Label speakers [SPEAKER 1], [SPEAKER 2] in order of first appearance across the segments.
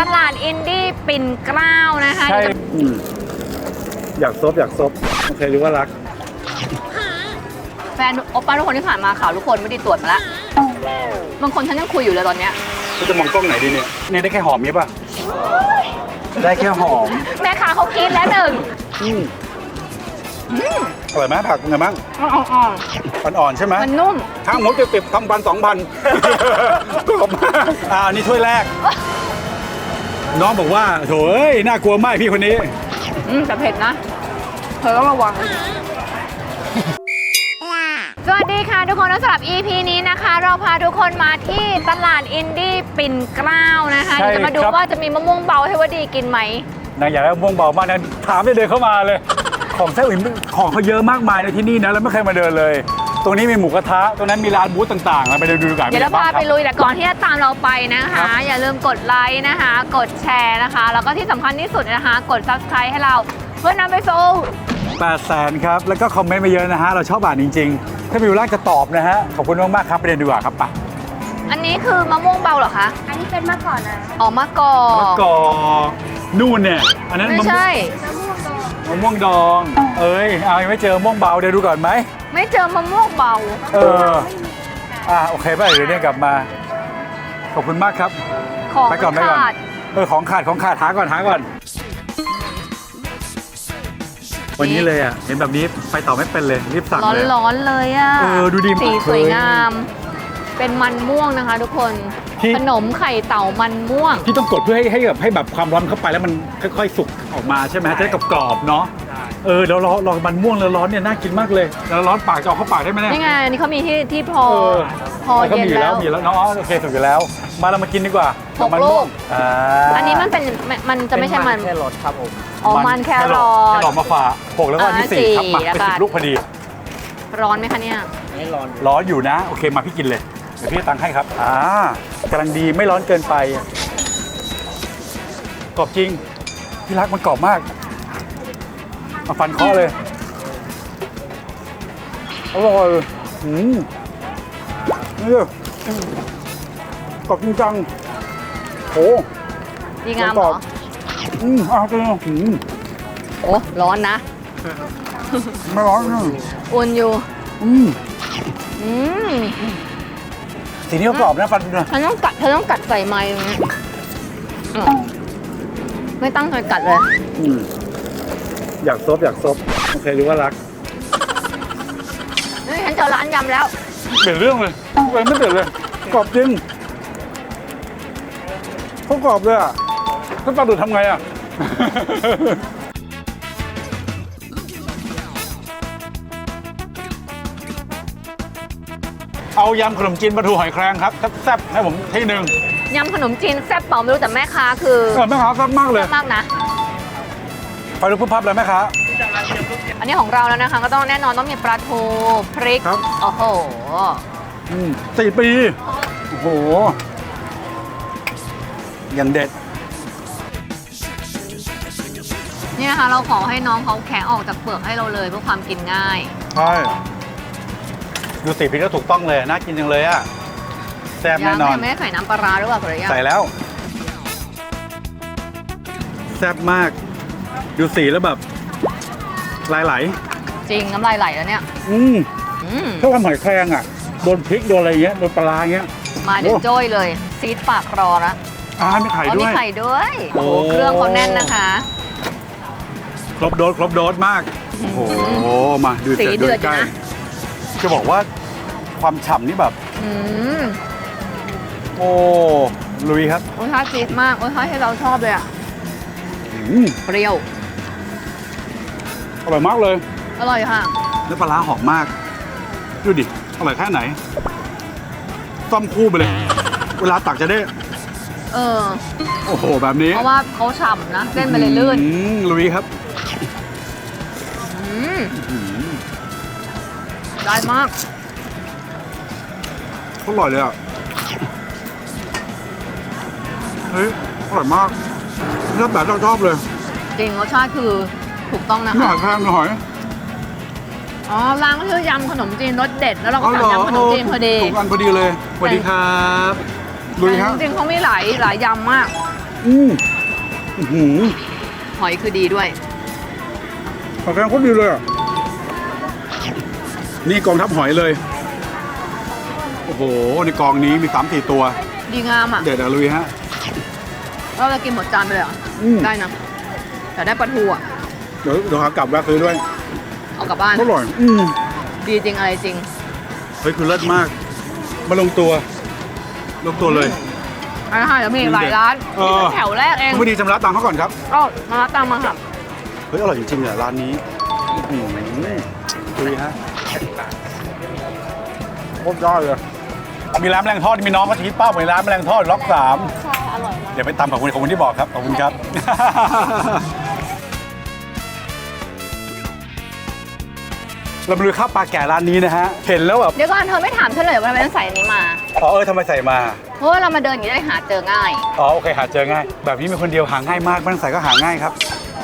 [SPEAKER 1] ตลาดอินดี้ปิ่นเกล้านะคะ
[SPEAKER 2] ใช่อยากซบโอเคหรือว่ารัก
[SPEAKER 1] แฟนโอป้าทุกคนที่ผ่านมาข่าวทุกคนไม่ได้ตรวจมาแล้วบางคนฉันยังคุยอยู่เลยตอนเนี้ย
[SPEAKER 2] จะมองกล้องไหนดีเนี่ยได้แค่หอมนี้ป่ะได้แค่หอม
[SPEAKER 1] แม่ค้าเขาคิดแล้วหนึ่ง
[SPEAKER 2] อร่อยไหมผักเป็นไงบ้าง อ่อนๆใช่ไหม
[SPEAKER 1] มันนุ่ม
[SPEAKER 2] ทั้งหมดจะติด1,000-2,000ขอบมากอันนี้ถ้วยแรก น้องบอกว่าโถเอ้ยน่ากลัวมากพี่คนนี้
[SPEAKER 1] แต่เผ็ดนะเธอต้องระวัง สวัสดีค่ะทุกคนสำหรับ EP นี้นะคะ เราพาทุกคนมาที่ตลาดอินดี้ปิ่นเกล้านะคะ
[SPEAKER 2] ใช่
[SPEAKER 1] เดี๋ยวจะมาดู
[SPEAKER 2] ครับ
[SPEAKER 1] ว่าจะมีมะม่วงเบาให้วดีกินไหม
[SPEAKER 2] นางอยากได้ม่วงเบามากนะถามได้เดินเข้ามาเลย ของแซ่บอื่นของเขาเยอะมากมายในที่นี่นะแล้วไม่เคยมาเดินเลย ตรงนี้มีหมูกระทะตรงนั้นมีร้านบูธต่างๆไปดูกัน
[SPEAKER 1] เดี๋ยวเราพาไปลุยแต่ก่อนที่จะตามเราไปนะคะ อย่าลืมกดไลค์นะคะ กดแชร์นะคะ แล้วก็ที่สำคัญที่สุดนะคะ กด Subscribe ให้เราเพื่อนำไปสู่
[SPEAKER 2] 800,000ครับแล้วก็คอมเมนต์มาเยอะนะฮะเราชอบอ่านจริงๆ ถ้ามีเวลาจะตอบนะฮะขอบคุณมากๆครับไปเรียนดีกว่าครับไป
[SPEAKER 1] อันนี้คือมะม่วงเบาเหรอคะ
[SPEAKER 3] อันนี้เป็นมะกอกนะ
[SPEAKER 1] อ๋อมะกอก
[SPEAKER 2] มะกอกนู่นเนี่ยอันนั้น
[SPEAKER 1] ไม่ใช่
[SPEAKER 2] มะม่วงดองเอ้ยเอายังไม่เจอมะม่วงเบาเดี๋ยวดูก่อนไหม
[SPEAKER 1] ไม่เจอมะม่วงเบา
[SPEAKER 2] โอเคป่ะเดี๋ยวเนี่ยกลับมาขอบคุณมากครับ
[SPEAKER 1] ของ
[SPEAKER 2] ไปก่อน
[SPEAKER 1] ขาด
[SPEAKER 2] ของขาดหาก่อนวันนี้เลยอ่ะเห็นแบบนี้ไปต่อไม่เป็นเลยรีบสั่งเลย
[SPEAKER 1] ร้อนๆเลยอ่ะ
[SPEAKER 2] ดูดี
[SPEAKER 1] สี
[SPEAKER 2] มาก
[SPEAKER 1] สวยงาม เป็นมันม่วงนะคะทุกคน
[SPEAKER 2] ที่
[SPEAKER 1] ขนมไข่เต่ามันม่วง
[SPEAKER 2] ที่ต้องกดเพื่อให้แบบความร้อนเข้าไปแล้วมันค่อยๆสุกออกมาใช่ไหมจะได้กรอบๆเนาะแล้วรอมันม่วงแล้วร้อนเนี่ยน่ากินมากเลยแล้วร้อนปากจะเอาเข้าปากได้ไหมเนี่ย
[SPEAKER 1] นี่ไงนี่เขามีที่พอเย็นแล้ว
[SPEAKER 2] มีแล้วเนาะโอเคถูกอยู่แล้ว มาเรามากินดีกว่า
[SPEAKER 1] หก
[SPEAKER 2] มัน
[SPEAKER 1] ลู
[SPEAKER 2] ม่ว
[SPEAKER 1] ก
[SPEAKER 2] ง
[SPEAKER 1] อันนี้มันจะไม่ใช่มัน
[SPEAKER 4] แค่รสครับผม
[SPEAKER 1] อ๋อมันแครอ
[SPEAKER 2] แค
[SPEAKER 1] ท
[SPEAKER 2] รอทมาฝาก6แล้วก็อันที่
[SPEAKER 1] สี่
[SPEAKER 2] 4ครับมา
[SPEAKER 1] แล้ว
[SPEAKER 2] เป็น
[SPEAKER 1] ก็
[SPEAKER 2] 10 ลูกพอดี
[SPEAKER 1] ร้อนไหมคะเนี่ย
[SPEAKER 4] ไม่ร้อน
[SPEAKER 2] ร้อนอยู่นะโอเคมาพี่กินเลยเดี๋ยวพี่ตังค์ให้ครับกำลังดีไม่ร้อนเกินไปกรอบจริงพี่รักมันกรอบมากมาฟันเคาะเลยอร่อยนี่กรอบจริงจังโอ้
[SPEAKER 1] ดีงามเหรอ
[SPEAKER 2] จริง
[SPEAKER 1] โอ้ร้อนนะ
[SPEAKER 2] ไม่ร้อนนะ
[SPEAKER 1] อุ่นอยู่อืม
[SPEAKER 2] สีนี้ก็กรอบนะฟันนะ
[SPEAKER 1] เธอต้องกัดใส่ไม้ตรงนี้ไม่ตั้งใจกัดเลย
[SPEAKER 2] อยากซบโอเคหรือว่ารัก
[SPEAKER 1] นี่ฉันเจอร้านยำแล้ว
[SPEAKER 2] เปลี่ยนเรื่องเลยไม่เปลี่ยนเลยกรอบจริงเขากรอบเลยอ่ะถ้าปลาดุกทำไงอ่ะ เอายำขนมจีนปลาทูหอยแครงครับแซ่บๆให้ผมที่หนึ่ง
[SPEAKER 1] ยำขนมจีนแซ่บเปล่าไม่รู้แต่แม่ค้าคือ
[SPEAKER 2] แม่ค้าแซ่บมากเลย
[SPEAKER 1] แซ่บมากนะ
[SPEAKER 2] ไปดูพุ่พับเลยแม่ค้า
[SPEAKER 1] อันนี้ของเราแล้วนะคะ ก็ต้องแน่นอนต้องมีปลาทูพริก
[SPEAKER 2] ครับ
[SPEAKER 1] โอ้โห
[SPEAKER 2] 4 ปีโอ้โหอย่างเด็ด
[SPEAKER 1] นี่นะคะเราขอให้น้องเขาแคะออกจากเปลือกให้เราเลยเพื่อความกินง่าย
[SPEAKER 2] ใช่ดูสีพริกก็ถูกต้องเลยน่ากินจังเลยอ่ะแซ่บแน่นอน
[SPEAKER 1] ยังไม่ได้ใส่น้ำปลาร้าหรือเปล่าหรือยัง
[SPEAKER 2] ใส่แล้วแซ่บมาก ดูสีแล้วแบบลายไหล
[SPEAKER 1] จริงน้ำลายไหลแล้วเนี่ย
[SPEAKER 2] อืมถ้าความหอยแครงอ่ะโดนพริกโดนอะไรเงี้ยโดนปลาร้าเงี้ย
[SPEAKER 1] มาเดี๋ยว
[SPEAKER 2] โอ้
[SPEAKER 1] โจ้ยเลยซีดปากรอละ
[SPEAKER 2] มีไข่
[SPEAKER 1] อ๋อ
[SPEAKER 2] ด้
[SPEAKER 1] มี
[SPEAKER 2] วย
[SPEAKER 1] ไข่ด้วย
[SPEAKER 2] โอ้
[SPEAKER 1] โอ้โหเครื่องเขาแน่นนะคะ
[SPEAKER 2] ครบโดสมาก โอ้โหมาดู
[SPEAKER 1] สีเดือด
[SPEAKER 2] ใกล้
[SPEAKER 1] อยู่นะ
[SPEAKER 2] จะบอกว่าความฉ่ำนี่แบบ
[SPEAKER 1] อืม
[SPEAKER 2] โอ้ลุยครับ
[SPEAKER 1] โอ้ยทอดซีดมากโอ้ยทอดให้เราชอบเลยอะ
[SPEAKER 2] อืม
[SPEAKER 1] เปรี้ยว
[SPEAKER 2] อร่อยมากเลย
[SPEAKER 1] อร่อยค่ะ
[SPEAKER 2] แล้วปลาร้าหอมมาก ดูดิ อร่อยแค่ไหนต้มคู่ไปเลย เวลาตักจะได้
[SPEAKER 1] เออ
[SPEAKER 2] โอ้โห แบบนี้
[SPEAKER 1] เพราะว่าเขาฉ่ำนะเส้นมันเลยลื่น
[SPEAKER 2] ลุยครับ
[SPEAKER 1] อืมได้มาก
[SPEAKER 2] อร่อยเลยอ่ะ เฮ้ย อร่อยมากชอบแบบชอบเลย
[SPEAKER 1] จริงรสชาติคือถูกต้องนะ
[SPEAKER 2] นี่ห
[SPEAKER 1] คะ
[SPEAKER 2] อยแครงหอย
[SPEAKER 1] อ๋อร้านก็ชื่อยำขนมจีนรสเด็ดแล้วเราก็สั่งยำขนมจีนพอดี
[SPEAKER 2] ถูกอันพอดีเลยสวัสดีครับลุยครับ
[SPEAKER 1] จริงๆเขามีหลายยำมาก
[SPEAKER 2] อืมอื้อหือ
[SPEAKER 1] หอยคือดีด้วย
[SPEAKER 2] ผักแกงโคตรดีเลยอ่ะนี่กองทัพหอยเลยโอ้โหในกองนี้มี3-4 ตัว
[SPEAKER 1] ดีงามอ่ะ
[SPEAKER 2] เด็ดอะลุยฮะ
[SPEAKER 1] เราจะกินหมดจานไปเลยเหรอ
[SPEAKER 2] อืม
[SPEAKER 1] ได้นะแต่ได้ปลาทูอ่ะ
[SPEAKER 2] เดี๋ยวหากลับแวะซื้อด้วย
[SPEAKER 1] เอากลับบ้าน
[SPEAKER 2] อร่อย
[SPEAKER 1] ดีจริงอะไรจริง
[SPEAKER 2] เฮ้ยคือเลิศมากมาลงตัวเลย
[SPEAKER 1] ร้านอาหารจะมีหลายร้าน
[SPEAKER 2] เออ
[SPEAKER 1] นี่เป็นแถวแรกเอง
[SPEAKER 2] คุณพอดีชำระตังค์เขาก่อนครับ
[SPEAKER 1] ก็มาตามมาค่ะ
[SPEAKER 2] เฮ้ยอร่อยจริงๆเนี่ยร้านนี้ดูดิฮะโคตรยอดเลยมีร้านแมลงทอดมีน้องเขาชี้เป้าไปร้านแมลงทอดล็อก 3ใช่อร่อยมากเดี๋ยวไปตามขอบคุณที่บอกครับขอบคุณครับ เรามาดูข้าวปลาแก่ร้านนี้นะฮะเห็นแล้วแบบ
[SPEAKER 1] เดี๋ยวก่อนเธอไม่ถามฉันเลยว่าทำไมต้องใส่อันนี้มา
[SPEAKER 2] อ๋อทำไมใส่มา
[SPEAKER 1] เพราะว่าเรามาเดินอย่างนี้ได้หาเจอง่าย
[SPEAKER 2] อ๋อโอเคหาเจอง่ายแบบนี้มีคนเดียวหาง่ายมากไม่ต้องใส่ก็หาง่ายครับ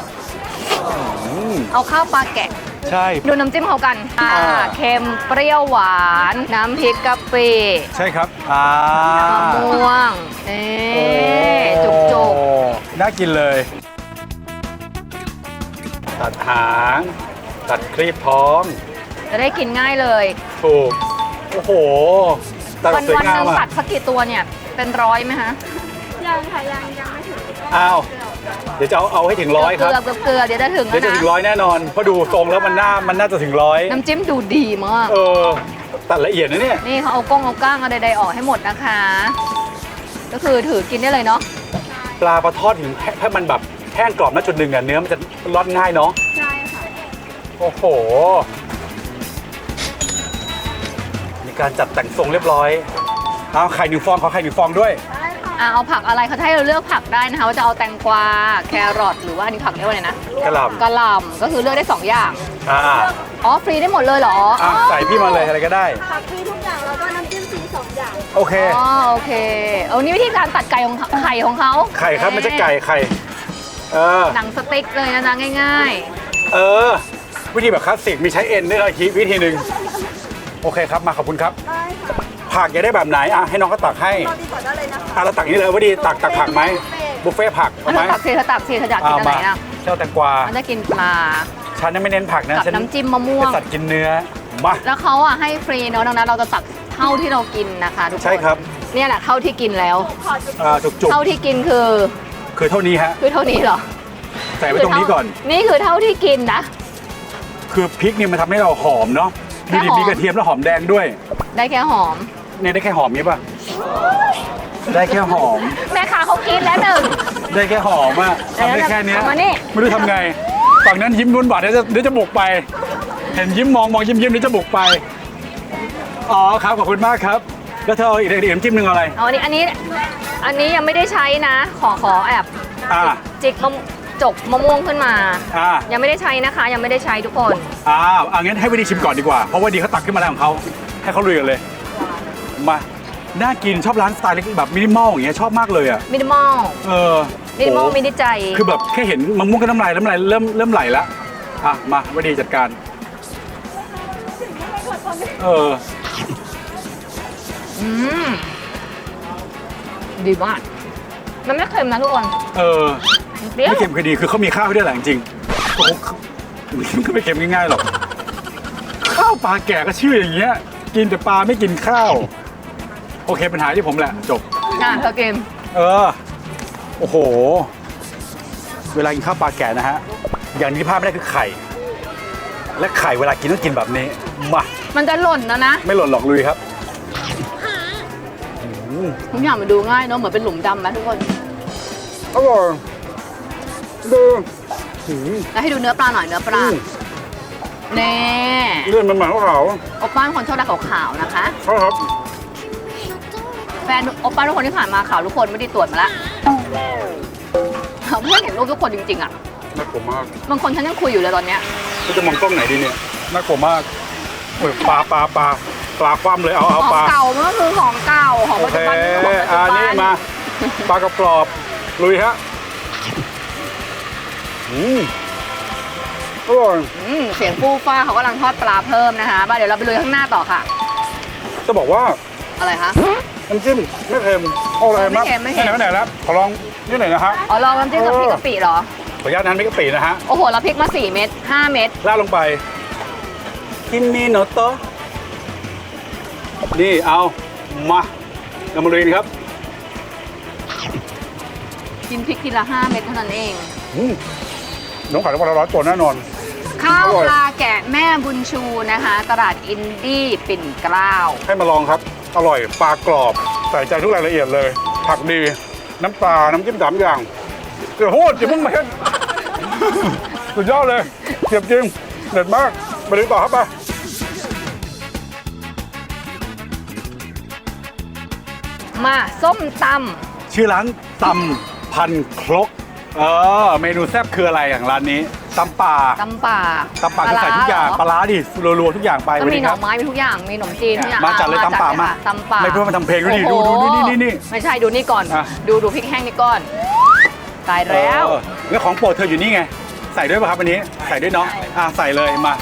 [SPEAKER 1] เอาข้าวปลาแกะ
[SPEAKER 2] ใช่
[SPEAKER 1] ดูน้ำจิ้มเขากันเค็มเปรี้ยวหวาน น้ำพริกกะปิ
[SPEAKER 2] ใช่ครับ
[SPEAKER 1] มะม่วงจุกจุก
[SPEAKER 2] น่ากินเลย ตัดหางตัดครีบท้อง
[SPEAKER 1] จะได้กินง่ายเลย
[SPEAKER 2] ถูกโอ้โหตัด
[SPEAKER 1] วัน
[SPEAKER 2] สวย
[SPEAKER 1] วันห
[SPEAKER 2] งาม
[SPEAKER 1] นึ่ง
[SPEAKER 2] อ่ะ
[SPEAKER 1] ตัดสักกี่ตัวเนี่ย เป็นร้อยไหมฮะ
[SPEAKER 3] ยังค่ะยังไม่ถึง
[SPEAKER 2] อ้าวเดี๋ยวจะเอาให้ถึง100ครับ
[SPEAKER 1] เกลือเดี๋ยวจะถึง
[SPEAKER 2] เดี๋
[SPEAKER 1] แล้
[SPEAKER 2] ยว
[SPEAKER 1] ว
[SPEAKER 2] จะ
[SPEAKER 1] นะ
[SPEAKER 2] ถึง100แน่นอนเพราะดูทรงแล้วมันน่าจะถึง100
[SPEAKER 1] น้ำจิ้มดูดีมาก
[SPEAKER 2] ตัดละเอียดนะเนี่ย
[SPEAKER 1] นี่เขาเอาก้างเอาใดๆออกให้หมดนะคะ ก็คือถือกินได้เลยเนาะ
[SPEAKER 2] ปลาทอดถึงถ้ามันแบบแห้งกรอบนะจุดหนึ่งอ่ะเนื้อมันจะร่อนง่ายเนาะ
[SPEAKER 3] ใช่ค่ะ
[SPEAKER 2] โอ้โหมีการจัดแต่งทรงเรียบร้อยเอาไข่1 ฟองขอไข่1 ฟองด้วย
[SPEAKER 3] ได้ค่ะ
[SPEAKER 1] เอาผักอะไรเขาจะให้เราเลือกผักได้นะคะว่าจะเอาแตงกวาแครอทหรือว่าอันนี้ผักเรียกว่าอะไรนะ
[SPEAKER 2] กระหล่ำ
[SPEAKER 1] กะหล่ำก็คือเลือกได้2อย่าง
[SPEAKER 2] อ่า
[SPEAKER 1] อ๋อฟรีได้หมดเลยเหรอ
[SPEAKER 2] ใส่พี่มาเลยอะไรก็ได้
[SPEAKER 3] ผักฟรีทุกอย่างแล้วก็น้ำจิ้มฟรี2 อย่าง
[SPEAKER 2] โอเค
[SPEAKER 1] อ๋อโอเคเอานี่วิธีการตัดไก่ของไข่ของเขา
[SPEAKER 2] ไข่ครับไม่ใช่ไก่ไข่
[SPEAKER 1] หนังสติ๊กเลยนะจ๊ะง่าย
[SPEAKER 2] วิธีแบบคลาสสิกมีใช้เอ็นด้วยนะวิธีหนึ่งโอเคครับมาขอบคุณครับ
[SPEAKER 3] ได้ค่ะ
[SPEAKER 2] ผักอยากได้แบบไหนให้น้องเขาตักให้
[SPEAKER 3] รอดีกว่าได้เลยนะคะ
[SPEAKER 2] เราตักอย่างนี้เลยว่าดีตักผักไหมบุฟเฟ่ผัก
[SPEAKER 1] ๆ
[SPEAKER 2] เอา
[SPEAKER 1] อัน
[SPEAKER 2] ไหม
[SPEAKER 1] นั้นตักสิเธอตักสิเธออยากกินอันไหนนะ
[SPEAKER 2] เจ้าแตงกวา
[SPEAKER 1] มันจะกินปลา
[SPEAKER 2] ฉันไม่เน้นผักนะ
[SPEAKER 1] กับ
[SPEAKER 2] ฉัน
[SPEAKER 1] น้ำจิ้มมะม่ว
[SPEAKER 2] เป็น
[SPEAKER 1] ง
[SPEAKER 2] สัตว์กินเนื้อมา
[SPEAKER 1] แล้วเขาให้ฟรีเนาะดังนั้นเราจะตักเท่าที่เรากินนะคะทุกคน
[SPEAKER 2] ใช่ครับ
[SPEAKER 1] เนี่ยแหละเท่าที่กินแล้ว
[SPEAKER 2] จุก
[SPEAKER 1] เท่าที่กินคือ
[SPEAKER 2] ๆคือเท่านี้ฮะ
[SPEAKER 1] เท่านี้เหรอ
[SPEAKER 2] ใส่ไว้ตรงนี้ก่อน
[SPEAKER 1] นี่คือเท่าที่กินนะ
[SPEAKER 2] คือพริกเนี่ยมันทำให้เราหอมเนาะ
[SPEAKER 1] แค่
[SPEAKER 2] มี
[SPEAKER 1] หอม
[SPEAKER 2] มีกระเทียมแล้วหอมแดงด้วย
[SPEAKER 1] ได้แค่หอม
[SPEAKER 2] เนี่ยได้แค่หอมนี้ป่ะได้แค่หอม
[SPEAKER 1] แม่ค้าเขากินแล้วหนึ่ง
[SPEAKER 2] ได้แค่หอมอะทำได้แค่เนี้ย
[SPEAKER 1] เอามานี่
[SPEAKER 2] ไม่รู้ทำไงฝั่งนั้นยิ้มนุ่นบาดเดี๋ยวจะบุกไป เห็นยิ้มมองยิ้มเดี๋ยวจะบุกไปอ๋อครับขอบคุณมากครับแล้วเธอเอาอีกน้ำจิ้มหนึ่งอะไร
[SPEAKER 1] เอาอันนี้ยังไม่ได้ใช้นะ ขอแอบ
[SPEAKER 2] อ่า
[SPEAKER 1] จิกจกมะม่วงขึ้นมา
[SPEAKER 2] อ่า
[SPEAKER 1] ยังไม่ได้ใช้นะคะ ยังไม่ได้ใช้ทุกคน
[SPEAKER 2] งั้นให้วิดีชิมก่อนดีกว่าเพราะว่าดีเขาตักขึ้นมาแล้วของเขาให้เขาลุยกันเลยมาน่ากินชอบร้านสไตล์เล็กแบบมินิมอลอย่างเงี้ยชอบมากเลยอ่ะ
[SPEAKER 1] มินิมอล มินิมอล
[SPEAKER 2] โอ้
[SPEAKER 1] มินิใจ
[SPEAKER 2] คือแบบแค่เห็นมะม่วงก็น้ำลายเริ่มไหลแล้วมาวิดีจัดการ
[SPEAKER 1] อืมดีมากมันไม่เค็มนะทุกคน เปรี้ยว
[SPEAKER 2] ไม่เค็มคือดีคือเขามีข้าวให้ด้วยแหละจริงๆโอ้โหมันก็ไม่เค็มง่ายๆหรอกข้าวปลาแก่ก็ชื่ออย่างเงี้ยกินแต่ปลาไม่กินข้าวโอเคปัญหาที่ผมแหละจบ
[SPEAKER 1] เธอกิน
[SPEAKER 2] โอ้โหเวลากินข้าวปลาแก่นะฮะอย่างที่พลาดไม่ได้คือไข่และไข่เวลากินต้องกินแบบนี้มา
[SPEAKER 1] มันจะหล่นนะ
[SPEAKER 2] ไม่หล่นหรอกลุยครับ
[SPEAKER 1] ทุกอย่างมันดูง่ายเนาะเหมือนเป็นหลุมดำไหมทุกคน
[SPEAKER 2] อร่อยดู
[SPEAKER 1] แล้วให้ดูเนื้อปลาหน่อยเนื้อปลาเน่
[SPEAKER 2] เลื่อนมันเหมือนขาว
[SPEAKER 1] โอป้าเป็นคนชอบอะไรขาวๆนะคะ
[SPEAKER 2] ครับ
[SPEAKER 1] แฟนโอป้าทุกคนที่ผ่านมาขาวทุกคนไม่ได้ตรวจมาละเพื่อนเห็นรูปทุกคนจริงๆอ่ะ
[SPEAKER 2] น่ากลัวมาก
[SPEAKER 1] บางคนฉันยังคุยอยู่เลยตอนเนี้ย
[SPEAKER 2] จะมองกล้องไหนดีเนี่ยน่ากลัวมากโอ้ยปลาคว่ำเลยเอา
[SPEAKER 1] ของ
[SPEAKER 2] ปลา
[SPEAKER 1] เก่ามันก็คือของเก่าของ
[SPEAKER 2] โอ
[SPEAKER 1] ปัจ
[SPEAKER 2] เค
[SPEAKER 1] จุบันมันคือของปัจจุบั
[SPEAKER 2] นี่
[SPEAKER 1] น
[SPEAKER 2] มาปลากระปรอบลุยฮะอร่อย
[SPEAKER 1] เสียงฟูฟ้าเขากำลังทอดปลาเพิ่มนะคะมาเดี๋ยวเราไปลุยข้างหน้าต่อค่ะ
[SPEAKER 2] จะบอกว่า
[SPEAKER 1] อะไรคะ
[SPEAKER 2] น้ำจิ้มไม่เค็มอร่อยมาก
[SPEAKER 1] ไม่เค็ม
[SPEAKER 2] ไหนแล้วขอลองนี่ไหนนะฮะ
[SPEAKER 1] อ๋อลองน้ำจิ้มกับพริกกะปิเหรอ
[SPEAKER 2] ขออนุญาตนั้นไม่กะปินะฮะ
[SPEAKER 1] โอ้โหแล้วพริกมา4 เม็ด5 เม็ด
[SPEAKER 2] ราดลงไปกินมีโนโตะนี่เอามาเรามาเรียนครับ
[SPEAKER 1] กินพริกทีละ5 เม็ดเท่านั้นเอง
[SPEAKER 2] น้องขายได้วันละ100 ตัวแน่นอน
[SPEAKER 1] ข้าว
[SPEAKER 2] อร่อย
[SPEAKER 1] ปลาแกะแม่บุญชูนะคะ ตลาดอินดี้ปิ่นเกล้า
[SPEAKER 2] ให้มาลองครับ อร่อยปลากรอบใส่ใจทุกรายละเอียดเลย ผักดี น้ำปลา น้ำจิ้ม3 อย่างเดี๋ยวโหดอย่าเพิ่งมาเห็น สุดยอดเลยเจ็บจริงเด็ดมากไปดูต่อครับไป
[SPEAKER 1] มาส้มต
[SPEAKER 2] ชื่อร้านตำพันครกเมนูแซ่บคืออะไรอย่างร้านนี้ตำป่า
[SPEAKER 1] ำตำป่า
[SPEAKER 2] ตำป่าคือใส่ทุกอย่างปลาร้าดิรัวๆทุกอย่างไป
[SPEAKER 1] ก็
[SPEAKER 2] วัน
[SPEAKER 1] มี
[SPEAKER 2] นี้
[SPEAKER 1] ห
[SPEAKER 2] ค
[SPEAKER 1] น่
[SPEAKER 2] รั
[SPEAKER 1] อบ ไม้มีทุกอย่างมีขนมจีนทุกอย่าง
[SPEAKER 2] มาจัดเลยตำป่ามา
[SPEAKER 1] ตำป่า
[SPEAKER 2] ไม่เพื่อมาทำเพลงด้วยดิ
[SPEAKER 1] โอ้โห
[SPEAKER 2] ดูนี่
[SPEAKER 1] ไม่ใช่ดูนี่ก่อน
[SPEAKER 2] อ่ะ
[SPEAKER 1] ดูพริกแห้งนี่ก่อนตายแล้ว
[SPEAKER 2] แล้วของโปรดเธออยู่นี่ไง ใส่ด้วยป่ะครับวันนี้ใส่ด้วยเนาะใส่เลยมา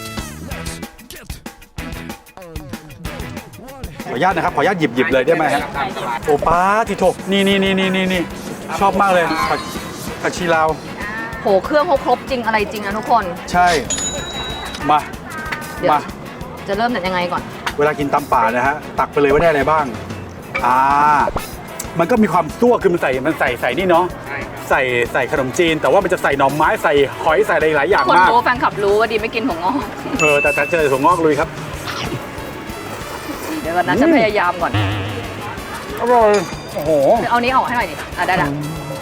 [SPEAKER 2] ขออนุญาตนะครับขออนุญาตหยิบเลยได้ไหมฮะโอ้ป้าทิโถนี่ชอบมากเลยผักชีลาว
[SPEAKER 1] โหเครื่องเขาครบจริงอะไรจริงนะทุกคน
[SPEAKER 2] ใช่มา
[SPEAKER 1] เดี๋ยว
[SPEAKER 2] มา
[SPEAKER 1] จะเริ่มจากยังไงก่อน
[SPEAKER 2] เวลากินตำป่านะฮะตักไปเลยว่าได้อะไรบ้างมันก็มีความซั่วคือมันใส่นี่เนาะใส่ขนมจีน แต่ว่ามันจะใส่หน่อไม้ใส่หอยใส่อะไรหลายอย่าง
[SPEAKER 1] คน
[SPEAKER 2] มาก
[SPEAKER 1] รู้แฟนคลับรู้ว่าดีไม่กินหัวงอก
[SPEAKER 2] แต่เจอถั่วงอกลุยครับ
[SPEAKER 1] เดี๋ยวก่อนนะฉันพยายามก่อน
[SPEAKER 2] อร่อยโอ้โห
[SPEAKER 1] เอานี้ออกให้หน่อยดิได้ละ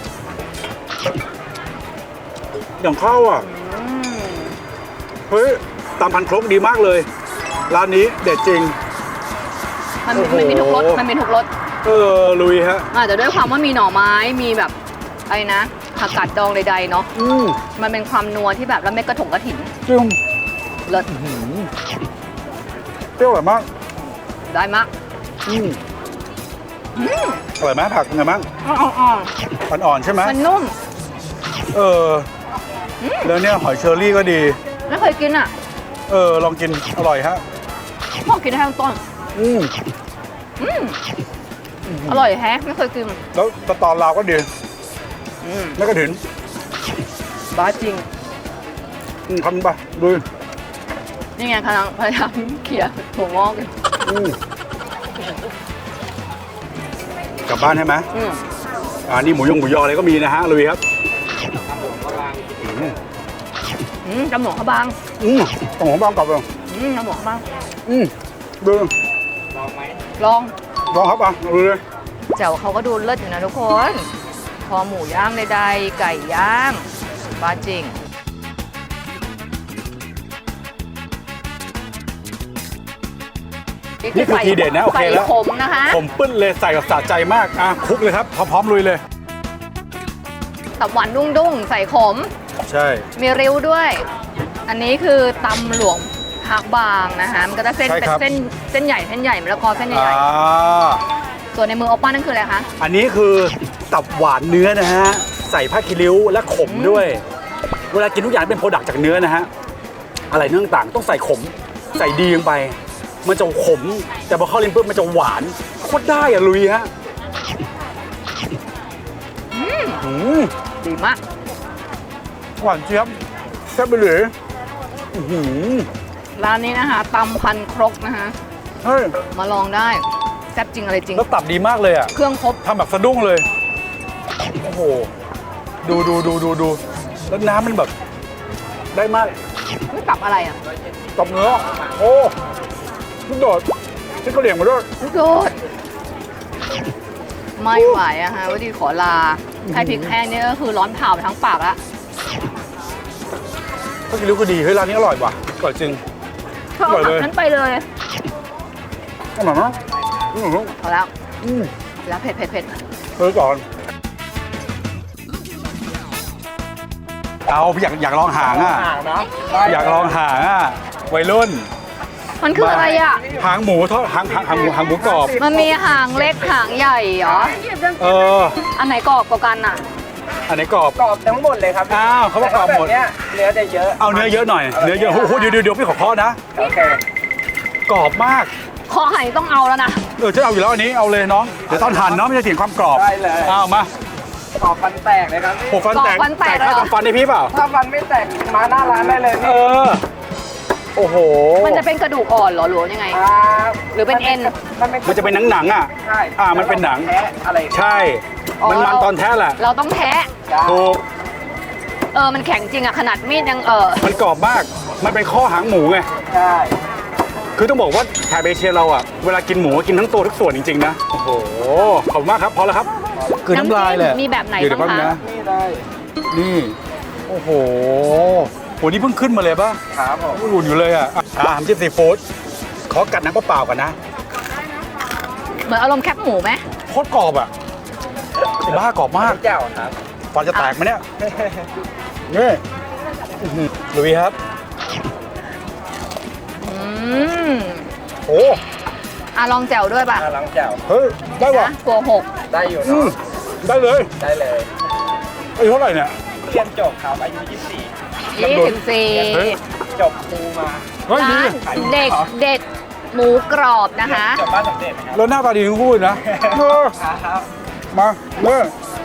[SPEAKER 2] อย่างข้าวอ่ะเฮ้ยตำพันครกดีมากเลยร้านนี้เด็ดจริง
[SPEAKER 1] มัน
[SPEAKER 2] โอ้โห
[SPEAKER 1] มีทุกรสมันมีทุกรส
[SPEAKER 2] ลุยฮะ
[SPEAKER 1] อาจจะด้วยความว่ามีหน่อไม้มีแบบอะไรนะผักกาดดองใดๆเนาะมันเป็นความนัวที่แบบแล้วเม็ดกระถิ่น
[SPEAKER 2] จุ่ม
[SPEAKER 1] เลิศ
[SPEAKER 2] เปรี้ยวอร่อยมาก
[SPEAKER 1] ได้มาก
[SPEAKER 2] อร่อยไหมผักเป็นไงบ้าง
[SPEAKER 1] อ่อน
[SPEAKER 2] อ่อนๆใช่ไหม
[SPEAKER 1] ๆมันนุ่ม
[SPEAKER 2] แล้วเนี่ยหอยเชอรี่ก็ดี
[SPEAKER 1] ไม่เคยกินอ่ะ
[SPEAKER 2] ลองกินอร่อยฮะ
[SPEAKER 1] พ่อกินได้ทั้งต้นอร่อยแฮะไม่เคยกิน
[SPEAKER 2] แล้วสตอลาวก็ดีไม่กระถิน
[SPEAKER 1] บ้าจริง
[SPEAKER 2] ทำไปดู
[SPEAKER 1] นี่ไงกำลังพยายามเขี่ยหัวงอกอยู่
[SPEAKER 2] กลับบ้านใช่ไหมนี่หมูยออะไรก็มีนะฮะลุยครับ
[SPEAKER 1] จมูกเขาบาง
[SPEAKER 2] ต้องของบ้างกลับเลย
[SPEAKER 1] จมูกเขาบาง
[SPEAKER 2] ดู
[SPEAKER 1] ลอง
[SPEAKER 2] ลองครับดูเลย
[SPEAKER 1] แจ่วเขาก็ดูเลิศอยู่นะทุกคนคอหมูย่างใดๆไก่ย่างบ้าจริง
[SPEAKER 2] นี่คือทีเด็ดนะโอเคแล้ว
[SPEAKER 1] ใส่ขมนะคะ
[SPEAKER 2] ผมปึ้นเลยใส่กับสะใจมากคลุกเลยครับพร้อมลุยเลย
[SPEAKER 1] ตับหวานดุ้งๆใส่ขม
[SPEAKER 2] ใช่
[SPEAKER 1] มีริ้วด้วย อันนี้คือตำหลวงพักบางนะคะมันก็จะเส้นเป็นเส้นใหญ่มะละกอเส้นใหญ่ๆส่วนในมือโอป้านั่นคืออะไรคะ
[SPEAKER 2] อันนี้คือตับหวานเนื้อนะฮะใส่ผ้าคีริ้วและขมด้วย เวลากินทุกอย่างเป็นโปรดักต์จากเนื้อนะฮะอะไรเนื้อต่างๆต้องใส่ขมใส่ดีลงไปมันจะขมแต่พอเข้าลิ้นปุ๊บมันจะหวานโคตรได้อะลุยฮะ
[SPEAKER 1] ดีมาก
[SPEAKER 2] หวานเจี๊ยบแซ่บไปเลย
[SPEAKER 1] ร้านนี้นะคะตำพันครกนะคะ
[SPEAKER 2] เฮ้ย
[SPEAKER 1] มาลองได้แซ่บจริงอะไรจริง
[SPEAKER 2] แล้วตับดีมากเลยอ่ะ
[SPEAKER 1] เครื่องครบ
[SPEAKER 2] ทำแบบสะดุ้งเลยโอ้โหดูแล้วน้ำมันแบบได้มาก
[SPEAKER 1] ไม่ตับอะไรอ่ะ
[SPEAKER 2] ตับเนื้อโอ้ลูกโดดชิ้นกระเหลี่ยงมาด้วย
[SPEAKER 1] ลูกโดดไม่ไหวอะฮะว่าดีขอลาให้พริกแห้งนี่ก็คือร้อนเผาไปทั้งปากละ
[SPEAKER 2] ก็กินรู้ก็ดีเฮ้ยร้านนี้อร่อยว่ะอร่อยจริง
[SPEAKER 1] เธอเอาตับนั้นไปเลย
[SPEAKER 2] อร่อยมาก
[SPEAKER 1] พอแล้วแล้วเผ็ด
[SPEAKER 2] ก่อนเอาอยากลองหางอ่ะอยากลองหางอ่ะวัยรุ่น
[SPEAKER 1] มันคืออะไรอ่ะ
[SPEAKER 2] หางหมูทอดหางหมูกรอบ
[SPEAKER 1] มันมีหางเล็กหางใหญ่เหรอ อันไหนกรอบกว่ากันอ่ะ
[SPEAKER 2] อันไหนกรอบ
[SPEAKER 4] กรอบทั้งหมดเลยครับ
[SPEAKER 2] อ้าวเขาบอกกรอบหมด
[SPEAKER 4] แต่ถ้าแบบเนี้ยเนื้อจะเยอะ
[SPEAKER 2] เอาเนื้อเยอะหน่อยเนื้อเยอะโอ้โหเดี๋ยวพี่ขอเคาะนะ
[SPEAKER 4] โอเค
[SPEAKER 2] กรอบมาก
[SPEAKER 1] คอไห่ต้องเอาแล้วนะ
[SPEAKER 2] จะเอาอยู่แล้วอันนี้เอาเลยน้องเดี๋ยวตอนหั่นเนาะไม่ใช่เสียงความกรอบ
[SPEAKER 4] ได้เลย
[SPEAKER 2] เอามา
[SPEAKER 4] ขอฟันแตกเลยครับพี่
[SPEAKER 2] โอ้ฟันแตก
[SPEAKER 1] ฟันแตก
[SPEAKER 2] ค่า
[SPEAKER 1] เหรอ
[SPEAKER 2] ทำฟันให้พี่เปล่า
[SPEAKER 4] ถ้าฟันไม่แตกมาหน้าร้านได้เลย
[SPEAKER 2] เอ
[SPEAKER 4] พี่
[SPEAKER 2] อ โอ้โห
[SPEAKER 1] มันจะเป็นกระดูกอ่อนเหรอหรือว่ายังไง หรือเป็นเอ็น
[SPEAKER 2] มันจะเป็นหนังๆอ่ะ
[SPEAKER 4] ใช่
[SPEAKER 2] มันเป็นหนัง
[SPEAKER 4] แท้อะไร
[SPEAKER 2] ใช่ มันตอนแท้แหละ
[SPEAKER 1] เราต้องแทะ
[SPEAKER 2] ถูก
[SPEAKER 1] มันแข็งจริงอะขนาดมีดยัง
[SPEAKER 2] มันกรอบมาก มันเป็นข้อหางหมูไง
[SPEAKER 4] ใช่
[SPEAKER 2] คือต้องบอกว่าแถบเอเชียเราอ่ะ เวลากินหมูกินทั้งตัวทุกส่วนจริงๆนะ โอ้โห ขอบคุณมากครับ พอแล้วครับคือน้ำลายเลย
[SPEAKER 1] มีแบบไหน
[SPEAKER 2] เดี๋ยว
[SPEAKER 1] บ้าง
[SPEAKER 2] แป๊บ
[SPEAKER 1] คะ
[SPEAKER 2] นะ
[SPEAKER 4] นี่ได้
[SPEAKER 2] นี่ โอ้โหโห นี่เพิ่งขึ้นมาเลยป่ะ
[SPEAKER 4] ครับผม
[SPEAKER 2] อุ่นอยู่เลยอ่ะน้ำจิ้มซีฟู้ดขอกัดน้ำเปล่าๆก่อนนะ
[SPEAKER 1] เหมือนอารมณ์แคบหมูไหม
[SPEAKER 2] โคตรกรอบอ่ะไอ้บ้ากรอบมาก
[SPEAKER 4] เจ้าครับ
[SPEAKER 2] ฟันจะแตกไหมเนี่ย นี่อื้อหือลุยครับ
[SPEAKER 1] อืม
[SPEAKER 2] โอ้
[SPEAKER 1] ลองแจ่วด้วยป่ะ
[SPEAKER 4] หลังเจ้า
[SPEAKER 2] เฮ้ย ได้ว่ะ
[SPEAKER 1] นะกลัวหก
[SPEAKER 4] ได้อยู่
[SPEAKER 2] อื
[SPEAKER 4] เนาะ
[SPEAKER 2] มได้เลย
[SPEAKER 4] ได้เลย
[SPEAKER 2] อายุเท่าไหร่เนี่ย
[SPEAKER 4] เรียนจบครับอายุ
[SPEAKER 2] เฮ้ย
[SPEAKER 1] 24
[SPEAKER 4] จบครูมา
[SPEAKER 2] เฮ้ยดี
[SPEAKER 1] ร้านเด็กเด็ดหมูกรอบนะคะ
[SPEAKER 4] จบบ้านสำเร็จนะครับ
[SPEAKER 2] แล้วหน้าตาดีทั้งคู่เลยนะเออ
[SPEAKER 4] ครับ
[SPEAKER 2] มาเมื่อ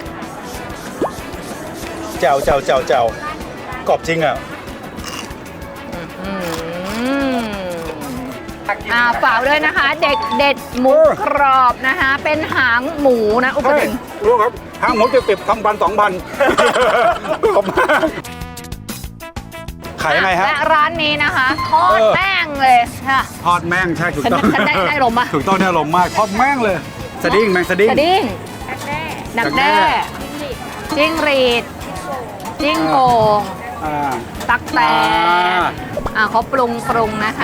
[SPEAKER 2] แจ่วแจ่วแจ่วแจ่วกรอบจริงอ่ะ
[SPEAKER 1] อืมฝากด้วยนะคะ เด็กเด็ดหมูกรอบนะคะ เป็นหางหมูนะอุป
[SPEAKER 2] ใช่
[SPEAKER 1] กรณ์
[SPEAKER 2] รู้ครับห้างหมูจะติด1,000 2,000ขอบมากขายยังไงฮะ
[SPEAKER 1] และร้านนี้นะคะทอดแป้งเลยค่ะ
[SPEAKER 2] ทอดแม่งใช่ถูกต้อง
[SPEAKER 1] ฉันได้ลมปะ
[SPEAKER 2] ถูกต้องได้ลมมากทอดแม่งเลยสดิ้งแมงสดิ้ง
[SPEAKER 1] กระดิ่งหนักแด้จิ้งหรีดจิ้งโกง
[SPEAKER 2] อ่า
[SPEAKER 1] ตักแตนเขาปรุงนะคะ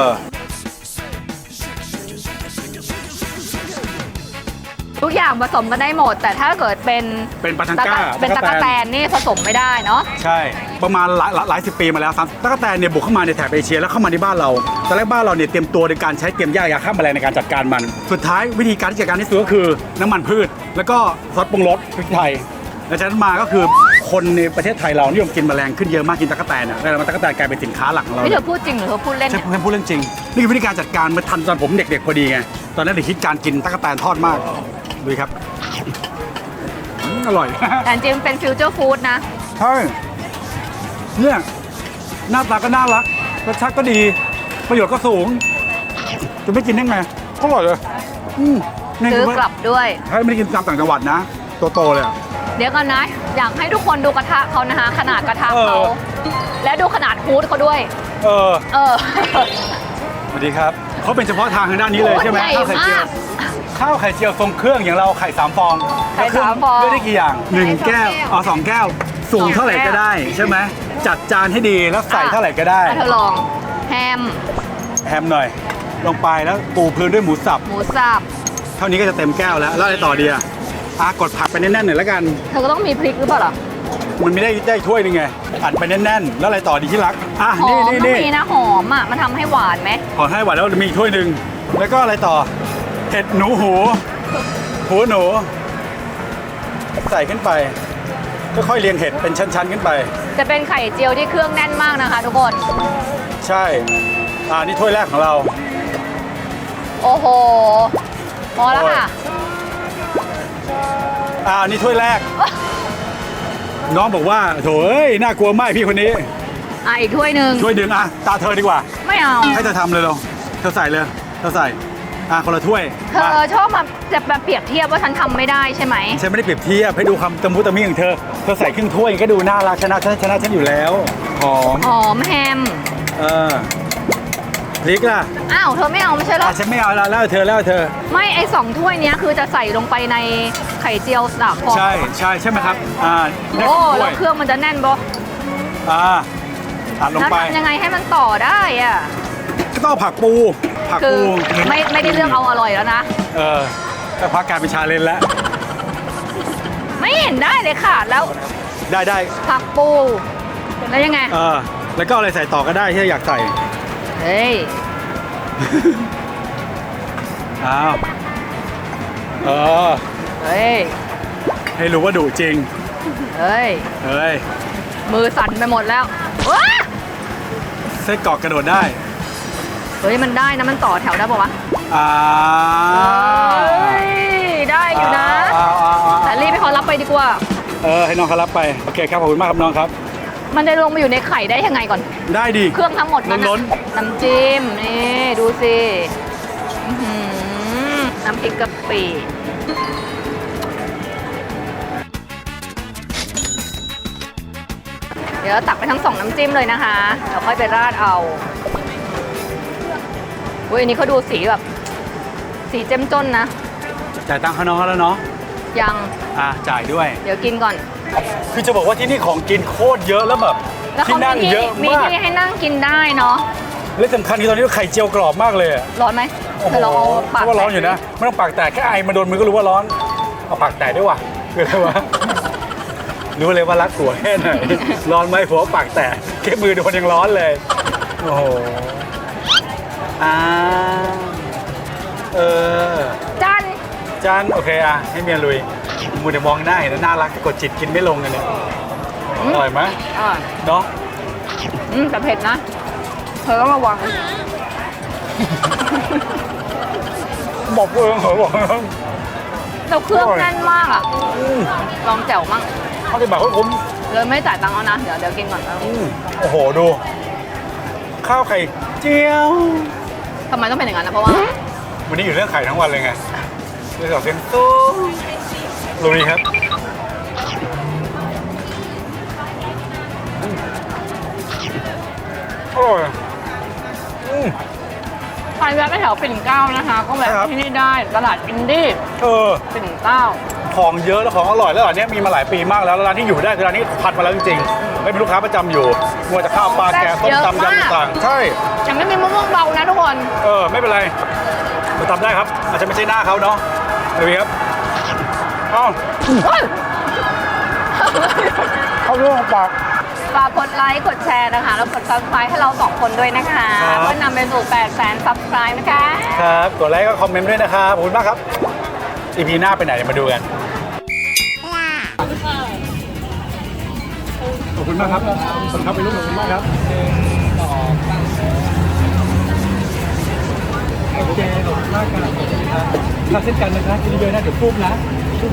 [SPEAKER 1] ทุกอย่างผสมกันได้หมด แต่ถ้าเกิดเป็น
[SPEAKER 2] เป็นปาทังก้า
[SPEAKER 1] เป็นตะกะแตนนี่ผสมไม่ได้เนาะ
[SPEAKER 2] ใช่ประมาณหลายสิบปีมาแล้วครับตะกะแตนเนี่ยบุกเข้ามาในแถบเอเชียแล้วเข้ามาในบ้านเราตอนแรกบ้านเราเนี่ยเตรียมตัวในการใช้เตรียมยาฆ่าแมลงในการจัดการมัน สุดท้ายวิธีการที่จัดการที่สุดก็คือน้ำมันพืช แล้วก็ซอสปรุงรสพริกไทยแล้วจากนั้นมาก็คือคนในประเทศไทยเรานิยมกินแมลงขึ้นเยอะมากกินตะกะแตนอ่ะแล้วตะกะแตนกลายเป็นสินค้าหลักของเรา
[SPEAKER 1] นี่เธอพูดจริงหรือเธอพูดเล่น
[SPEAKER 2] ใช่
[SPEAKER 1] เนี่ย
[SPEAKER 2] ผมพูดเรื่องจริงนี่คือวิธีการจัดการมาทันตอนผมเด็กๆพอดีไงตอนนั้นเด็กคิดการกินตะกะแตนทอดมากดูครับอร่อย
[SPEAKER 1] แต่จริงๆเป็นฟิวเจอร์ฟู้ดนะ
[SPEAKER 2] ใช่เนี่ยหน้าตาก็น่ารักรสชาติก็ดีประโยชน์ก็สูงจะไม่กินได้ไงก็อร่อยเลยนี่
[SPEAKER 1] ซื้อกลับด้วย
[SPEAKER 2] ให้ไม่ได้กินตามต่างจังหวัดนะโตๆเลยอะ
[SPEAKER 1] เดี๋ยวกันนะ อยากให้ทุกคนดูกระทะเขานะคะ ขนาดกระทะเขา และดูขนาดฮูดเขาด้วย
[SPEAKER 2] เออ
[SPEAKER 1] เออ
[SPEAKER 2] สวัสดีครับเขาเป็นเฉพาะทางทางด้านนี้เลยใช่ไหม
[SPEAKER 1] โอ้ยใหญ่
[SPEAKER 2] ข้าวไข่เจียวทรงเครื่องอย่างเราไข่3 ฟอง
[SPEAKER 1] ไข่3 ฟอง
[SPEAKER 2] เลือกได้กี่อย่าง1 แก้ว2 แก้วสูงเท่าไหร่ก็ได้ใช่ไหมจัดจานให้ดีแล้วใส่เท่าไหร่ก็ได้
[SPEAKER 1] เธอลองแฮม
[SPEAKER 2] แฮมหน่อย ลงไปแล้วปูพื้นด้วยหมูสับ
[SPEAKER 1] หมูสับ
[SPEAKER 2] เท่านี้ก็จะเต็มแก้วแล้วแล้วอะไรต่อดีกดผักไปแน่นๆหน่อยแล้วกัน
[SPEAKER 1] เธอก็ต้องมีพริกหรือเปล่าล่ะ
[SPEAKER 2] มันไม่ได้ถ้วยหนึงไงอัดไปแน่นๆ แล้วอะไรต่อดีที่รัก
[SPEAKER 1] หอมต้องมีนะหอมมันทำให้หวานไหม
[SPEAKER 2] ขอให้หวานแล้วมีอีกถ้วยหนึ่งแล้วก็อะไรต่อเห็ดหนูหูหนูใส่ขึ้นไปค่อยๆเรียงเห็ดเป็นชั้นๆขึ้นไป
[SPEAKER 1] จะเป็นไข่เจียวที่เครื่องแน่นมากนะคะทุกคน
[SPEAKER 2] ใช่นี่ถ้วยแรกของเรา
[SPEAKER 1] โอ้โหพอแล้วค่ะ
[SPEAKER 2] นี่ถ้วยแรก น้องบอกว่าโถเอ้ยน่ากลัวมากพี่คนนี้
[SPEAKER 1] อีกถ้วยหนึ่ง
[SPEAKER 2] ถ้วยหนึ่งตาเธอดีกว่า
[SPEAKER 1] ไม่เอา
[SPEAKER 2] ให้เธอทำเลยเราเธอใส่เลยเธอใส่คนละถ้วย
[SPEAKER 1] เธอชอบมาเปรียบเทียบว่าฉันทำไม่ได้ใช่ไหม
[SPEAKER 2] ฉันไม่ได้เปรียบเทียบให้ดูคำตะมุตะมิของเธอใส่ครึ่งถ้วยก็ดูน่ารักชนะฉันอยู่แล้วหอม
[SPEAKER 1] หอมแฮม
[SPEAKER 2] พริกล่ะ
[SPEAKER 1] อ้าวเธอไม่เอาไม่ใช่เหรอ
[SPEAKER 2] ฉันไม่เอาแล้วเธอ
[SPEAKER 1] ไม่ไอ้2 ถ้วยเนี้ยคือจะใส่ลงไปในไข่เจียว3 ฟอง
[SPEAKER 2] ใช่ไหมครับได้
[SPEAKER 1] โอ้
[SPEAKER 2] 2 ถ้
[SPEAKER 1] แล้ว วย เครื่องมันจะแน่นบ่
[SPEAKER 2] อัดลง
[SPEAKER 1] แล้ว
[SPEAKER 2] ไป
[SPEAKER 1] ทำยังไงให้มันต่อได้อะ
[SPEAKER 2] ก็ต้องผักปู
[SPEAKER 1] คือไม่ได้เรื่องเอาอร่อยแล้วนะ
[SPEAKER 2] ก็พักการเป็นชาเลนจ์แล้ว
[SPEAKER 1] ไม่เห็นได้เลยค่ะแล้ว
[SPEAKER 2] ได้
[SPEAKER 1] ผักปูแล้วยังไง
[SPEAKER 2] แล้วก็อะไรใส่ต่อก็ได้ที่อยากใส่
[SPEAKER 1] เฮ้ย
[SPEAKER 2] อ้าว
[SPEAKER 1] เฮ้ย
[SPEAKER 2] ให้รู้ว่าดุจริง
[SPEAKER 1] เฮ้ยมือสั่นไปหมดแล้วว้า
[SPEAKER 2] ไส้กรอกกระโดดได้
[SPEAKER 1] เฮ้ยมันได้นะมันต่อแถวได้ป่าวะเฮ้ยได้อยู่นะแต่รีบไปขอรับไปดีกว่า
[SPEAKER 2] ให้น้องเขารับไปโอเคครับขอบคุณมากครับน้องครับ
[SPEAKER 1] มันจะลงมาอยู่ในไข่ได้ยังไงก่อน
[SPEAKER 2] ได้ดี
[SPEAKER 1] เครื่องทั้งหมดนั้น
[SPEAKER 2] ล้น
[SPEAKER 1] น้ำจิ้มนี่ดูสิอื้อหือน้ำพริกกะปิเดี๋ยวตักไปทั้งสองน้ำจิ้มเลยนะคะเดี๋ยวค่อยไปราดเอาอุ้ยอันนี้เขาดูสีแบบ สีเจ้มจนนะ
[SPEAKER 2] จ่ายตังค์เขาน้องเขาแล้วเนาะ
[SPEAKER 1] ยัง
[SPEAKER 2] จ่ายด้วย
[SPEAKER 1] เดี๋ยวกินก่อน
[SPEAKER 2] คือจะบอกว่าที่นี่ของกินโคตรเยอะแล้วแบบ
[SPEAKER 1] แล้ว
[SPEAKER 2] ที่
[SPEAKER 1] เขา
[SPEAKER 2] นั่ง
[SPEAKER 1] มี
[SPEAKER 2] เยอะ
[SPEAKER 1] มี
[SPEAKER 2] มาก
[SPEAKER 1] ที่ให้นั่งกินได้เนาะ
[SPEAKER 2] และสำคัญคือตอนนี้ไข่เจียวกรอบมากเลยอะ
[SPEAKER 1] ร้อนไหม
[SPEAKER 2] โอ้โห
[SPEAKER 1] เดี๋ยวเราเอาปาก
[SPEAKER 2] ว่าร้อนอยู่นะไม่ต้องปากแตกแค่ไอมาโดนมือก็รู้ว่าร้อนเอาปากแตกด้วยว่ะคืออะไรวะรู้เลยว่ารักผัวแค่ไหนร้อนไหมผัวปากแตกแค่มือโดนยังร้อนเลยโอ้โหเออ
[SPEAKER 1] จัน
[SPEAKER 2] จานโอเคให้เมียลุยมูเดี๋ยวมองหน้าเห็นแล้วน่ารักกดจิตกินไม่ลงเลยเนี่ยอร่อยไหม
[SPEAKER 1] อ่า
[SPEAKER 2] เนาะ
[SPEAKER 1] แต่เผ็ดนะ เธอต้องระวัง
[SPEAKER 2] บอกเองเหรอบอก
[SPEAKER 1] เราเครื่องแน่นมากอ่ะ ลองแจ่วมั่ง
[SPEAKER 2] เขาจะบอกว่าผม
[SPEAKER 1] เลยไม่จ่ายตังค์เอานะ เดี๋ยวกินก่อน
[SPEAKER 2] โอ้โหดู ข้าวไข่เจียว
[SPEAKER 1] ทำไมต้องเป็นอย่างนั้นนะ เพราะว่า
[SPEAKER 2] วันนี้อยู่เรื่องไข่ทั้งวันเลยไงเรื่องเสียงตู้ลุยครับอร่อย
[SPEAKER 1] ใครแวะไปแถวปิ่นเกล้านะคะ ก็แวะ
[SPEAKER 2] ครับ
[SPEAKER 1] ที่นี่ได้ ตลาดอินดี้ ปิ่นเกล้า
[SPEAKER 2] ของเยอะแล้วของอร่อยแล้วร้านนี้มีมาหลายปีมากแล้วร้านที่อยู่ได้คือร้านนี้พัดมาแล้วจริงๆไม่เป็นลูกค้าประจำอยู่มัวจะข้าวปลาแกงต้มตำยำต่างๆใช่
[SPEAKER 1] ยังไม่มีมะม่วงเบานะทุกคน
[SPEAKER 2] ไม่เป็นไรเราทำได้ครับ อาจจะไม่ใช่หน้าเขาเนาะดูครับเอ้า
[SPEAKER 1] เฮ้ย
[SPEAKER 2] เข้าเรื่องปาก
[SPEAKER 1] ฝากกดไลค์ กดแชร์นะคะ แล้วกด subscribe ให้เรา2คนด้วยนะคะ
[SPEAKER 2] ครับ
[SPEAKER 1] เพื่อนำไปสู่ 800,000 subscribe นะคะ
[SPEAKER 2] ครับกดไลค์ก็คอมเมนต์ด้วยนะครับขอบคุณมากครับ EP หน้าไปไหนเดี๋ยวมาดูกันขอบคุณมากครับขอบคุณครับไปรุ่นขอบคุณมากครับโอเคขอบคุณมากครับทำเช่นกันนะครับกินเยอะๆนะเดี๋ยวปุ๊บนะ